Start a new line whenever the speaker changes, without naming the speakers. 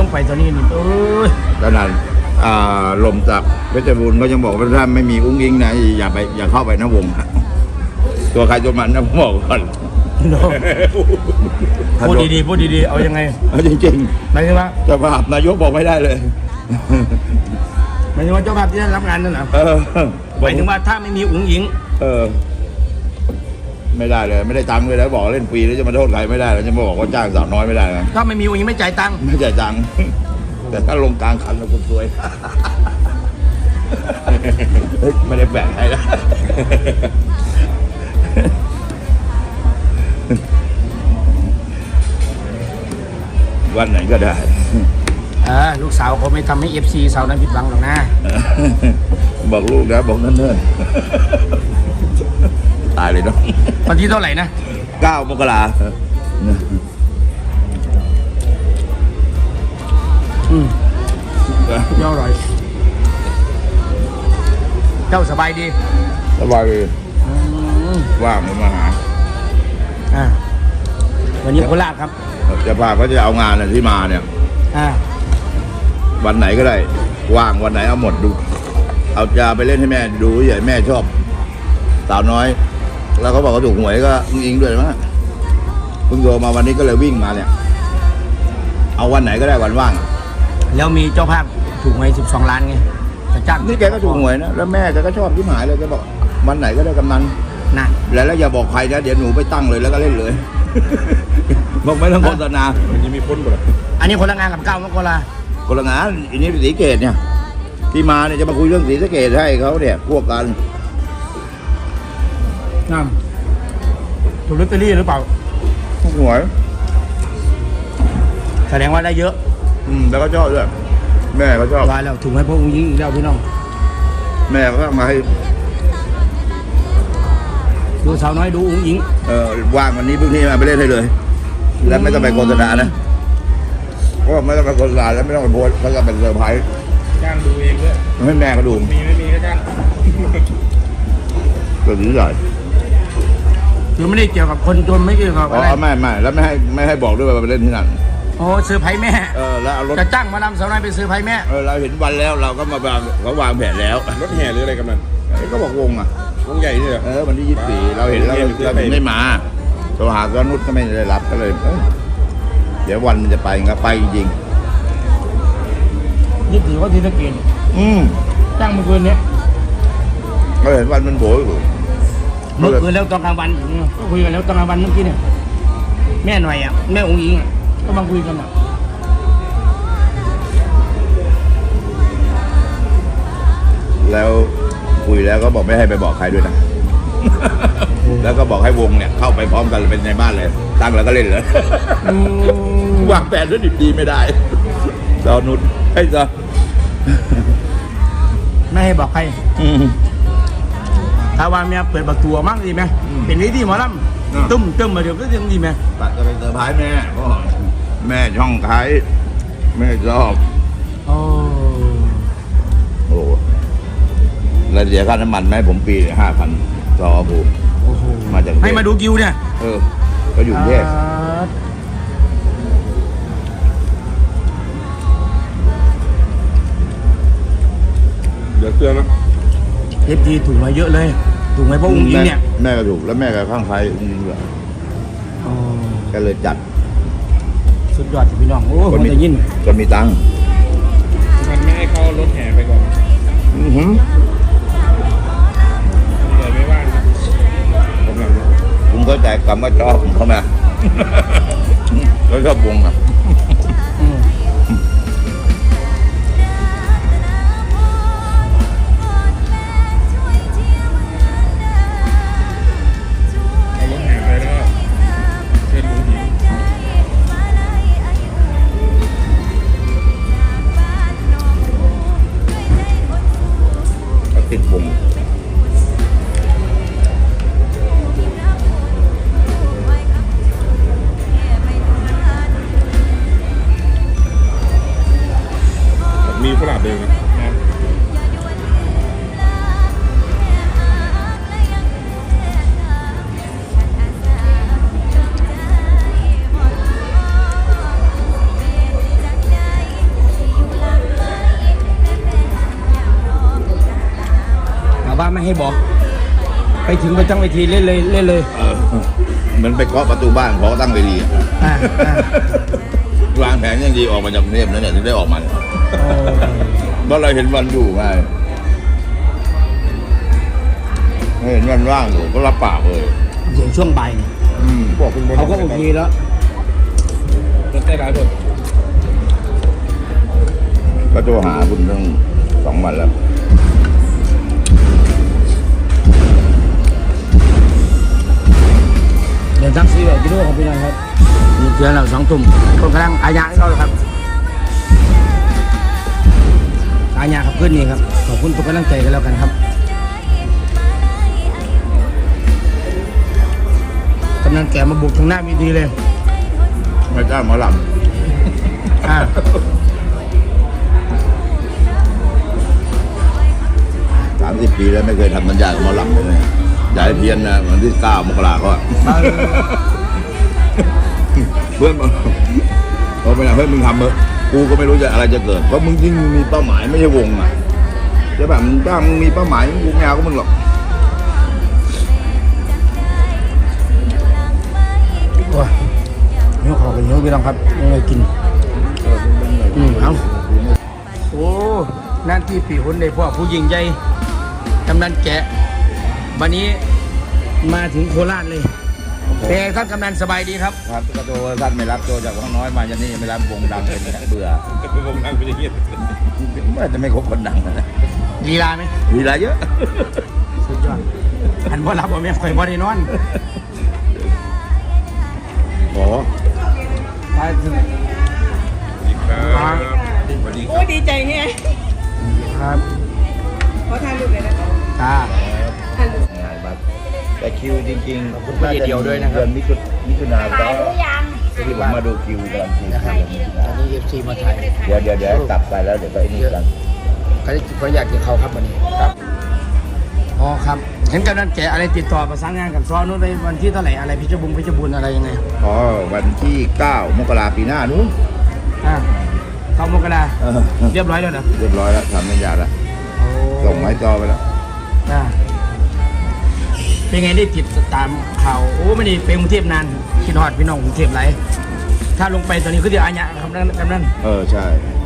งไปตัวนี้นี่
ขนาดลมจากเพชรบูรณ์ก็ยังบอกว่าถ้าไม่มีอุ้งอิงนะอย่าเข้าไปนะวงตัวใครตัวมันนะผมบอกก่อน
พูดดีๆพูดดีๆเอายังไง
จริง
ๆหมายถึงว่า
เจ้าภาพนายกบอกไม่ได้เลย
หมายถึงว่าเจ้าภาพที่ได้รับงานนั่นนะหมายถึงว่าถ้าไม่มีอุ้งอิง
ไม่ได้เลยไม่ได้ตังค์เลยแล้วบอกเล่นฟรีแล้วจะมาโทษใครไม่ได้แล้วจะมาบอกว่าจ้างสาวน้อยไม่ได้นะ
ถ้าไม่มีอุ้งอิงไม่จ่ายตังค์
ไม่จ่ายตังค์แต่ถ้าลงกลางคันแล้วคุณซวยไม่ได้แบ่งให้นะวันไหนก็ได้
ลูกสาวเขาไม่ทำให้ FC สาวนั้นผิดหวังหรอกนะ
บอกลูกนะบอกนั่นเนิ่นตายเลยเนาะ
วันที่เท่าไหร่นะ
9 มกรา
เจ้าอร่อยเจ้าสบายดี
สบายดีว่างมาหา
วันนี้โคราชครับ
จะพาเขาจะเอางานที่มาเนี่ยวันไหนก็ได้ว่างวันไหนเอาหมดดูเอาจะไปเล่นให้แม่ดูใหญ่แม่ชอบสาวน้อยแล้วเขาบอกเขาถูกหวยก็อิงด้วยมั้งเพิ่งโทรมาวันนี้ก็เลยวิ่งมาเนี่ยเอาวันไหนก็ได้วันว่าง
แล้วมีเจ้าภาพถูกหวย12 ล้านไงจะจ้าง
นี่แกก็ถูกหวยนะแล้วแม่แกก็ชอบที่หมายเลยแกบอกวันไหนก็ได้กำนัน
นั่น
แล้วอย่าบอกใครนะเดี๋ยวหนูไปตั้งเลยแล้วก็เล่นเลยบอกไม่ต้องโฆษณา
มันจะมีพ้นบ่
อันนี้คนละงานกับ9 มกรา
คนละงานอันนี้ศรีเกตเนี่ยที่มาเนี่ยจะมาคุยเรื่องศรีสะเกดให้เขาเนี่ยพวกกัน
นั่นถูกลอตเตอรี่หรือเปล่า
ถูกหวย
แสดงว่าได้เยอะ
แล้วก็ชอบด้วยแม่เขาชอบ
ได้แล้วถูกให้พวกอุ้งยิงแล้วพี่น้อง
แม่เขามาให้
ดูสาวน้อยดูอุ้งยิง
ว่างวันนี้เพิ่งที่มาไปเล่นให้เลยแล้วไม่ต้องไปโฆษณานะเพราะไม่ต้องไปโฆษณาแล้วไม่ต้องไปโพสเขาจะเป็นเซอร์ไพรส์
จ้างดูเองด้วย
ให้แม่เขาดู
มีไม่มีก็จ้าง
ตัวนี้ใหญ่
คือไม่ได้เกี่ยวกับคนจนไม่เกี่ยวกับอะไร
ไม่แล้วไม่ให้บอกด้วยว่าไปเล่นที่นั่น
โอ้เซอร์ไพรส์แม่
แล้วเอารถ
จะจ้างมานำสาวน้อยไปเซอร์ไพรส์แม่
เราเห็นวันแล้วเราก็มาเขาวางแผนแล้ว
รถแห่หรืออะไรกันนั่น
ก็บอกวง
ใหญ่นี่เหรอ
วันที่24เราเห็นแล้วเราไม่มาโทรหาก็นุชก็ไม่ได้รับก็เลยเดี๋ยววันมันจะไปงั้นไปจริง
24ว่าที่ตะเกียงจ้างเมื่อคืนนี้
เราเห็นวันมันโผล่
เมื่อคืนแล้วตอนกลางวันก็คุยกันแล้วตอนกลางวันเมื่อกี้เนี่ยแม่หน่อยแม่องค์หญิงก็มาคุยกัน
แล้วคุยแล้วก็บอกไม่ให้ไปบอกใครด้วยนะแล้วก็บอกให้วงเนี่ยเข้าไปพร้อมกันเป็นในบ้านเลยตั้งแล้วก็เล่นเลยวางแผนด้วยดีไม่ได้สาวนุชให้ซะ
ไม่ให้บอกใครถ้าว่าเมียเปิดประตูมั่งดีไหมเป็นนี้ดีหมอลำตุ้มมาเดี๋ยวก็ยังดีไหม
ปัดจะเป็นเซอร์ไพรส์แม่เพราะแม่ช่องขายแม่ชอบโอ้แล้วเสียค่าน้ำมันแม่ผมปี5,000รอผมมาจาก
ให้มาดูกิวเนี่ย
ก็อยู่เทพ
เดี๋ยวเตือนนะ
FTถูกมาเยอะเลยถูกไหมเพราะอุ้งอิงเนี่ย
แม่ก็ถูกแล้วแม่ก็ข้างใครอุ้งอิงด้วยก็เลยจัด
สุดยอดพี่น้องโอ้คนจะยิน
ก็มีตังค์
มันไม่ให้เข้ารถแห่ไปก่อนไม่ว่าง
ผมเข้าใจคำว่าชอบเขาไหมแล้วชอบวงติดวง
ไม่ให้บอก ไปถึงไปตั้งเวทีเล่นเลยเล่นเลย
เหมือนไปเคาะประตูบ้านเขาก็ตั้งเวทีอะ
อ่าอ่าว
างแผนอย่างดีออกมาจากกรุงเทพนั่นเนี่ยถึงได้ออกมาเนี่ยเพราะเราเห็นวันอยู่ไงเห็นวันว่างอยู่ก็รับปากเลย
อย่างช่วงบ่ายเนี่ย
บอกคุณบน
เขาก็โอเคแล้ว
รถใต้ร้านผม
ก็โทรหาคุณตั้ง2 วันแล้ว
เดี๋ยวตั้งซีแบบกิโลของพี่น้องครับมีเพื่อนเรา2 ทุ่มคนกำลังอาญาให้เขาเลยครับอาญาครับเพื่อนนี่ครับขอบคุณทุกกำลังใจกันแล้วกันครับกำลังแก่มาบุกทางหน้ามีดีเลย
ไม่กล้าหมอล
อ่า
ำ30 ปีแล้วไม่เคยทำสัญญากับหมอลำเลยย้ายเพี้ยนนะวันที่9 มกราเขาอะเพื่อนบอกเขาไปไหนเพื่อนมึงทำเถอะกูก็ไม่รู้จะอะไรจะเกิดเพราะมึงยิ่งมีเป้าหมายไม่ใช่วงอ่ะจะแบบถ้ามึงมีเป้าหมายกูไม่เอาก็มึงหรอก
โอ้ยนี่ขอกันเยอะพี่น้องครับยังไงกินเอาโอ้นั่นที่ปีหุ่นในพวกผู้ยิงใหญ่กำนันแกะวันนี้มาถึงโคราชเลยเป็นไงท่านกำนันสบายดีครับ
ครับกระโดดท่านไม่รับโจจากวังน้อยมาจนนี่ไม่รับวงดังเป็นเบื่อ
วงนั่งเป็นอย่างนี้
ว่าจะไม่คบคนดังนะ
ลีลาไหม
มีอะไรเยอะ
สุดยอดอันบ่รับบ่แม่ข่อยบ่ได้นอน
โอ้
ไปถึง
ครับสวัสดีค
โอ้
รับ
ดีใจไง
ครับ
ขอทานลูกเลยนะคะ
จ้า
ทานลูก
งานบัตรแต่คิวจริงๆ
ขอบคุณพี่เดียวด้วยนะครับ
เดือนมิถุนายน
ถ่ายหรือยัง
ที่ผมมาดูคิวกันที
นะครับตอนนี้ FC มาถ่าย
เดี๋ยวกลับไปแล้วเดี๋ยวก็ไอ้นี่กัน
เขาอยากกินเขาครับวันนี้ครับอ๋อครับเห็นกำนันแกะอะไรติดต่อประสานงานกับซ้อนู้นในวันที่เท่าไหร่อะไรพิจบุญอะไรยังไง
อ๋อวันที่ 9 มกราปีหน้านู้น
เข้ามกราเรียบร้อยแล้วเหรอ
เรียบร้อยแล้วทำสัญญาแล้วส่งไม้จอไปแล้ว
อ่าเป็นไงได้ติดตามข่าวโอ้ไม่ได้ไปกรุงเทพนานคิดฮอดพี่น้องกรุงเทพไรถ้าลงไปตอนนี้ก็เดี๋ยวอาญะครับนั่น
ใช่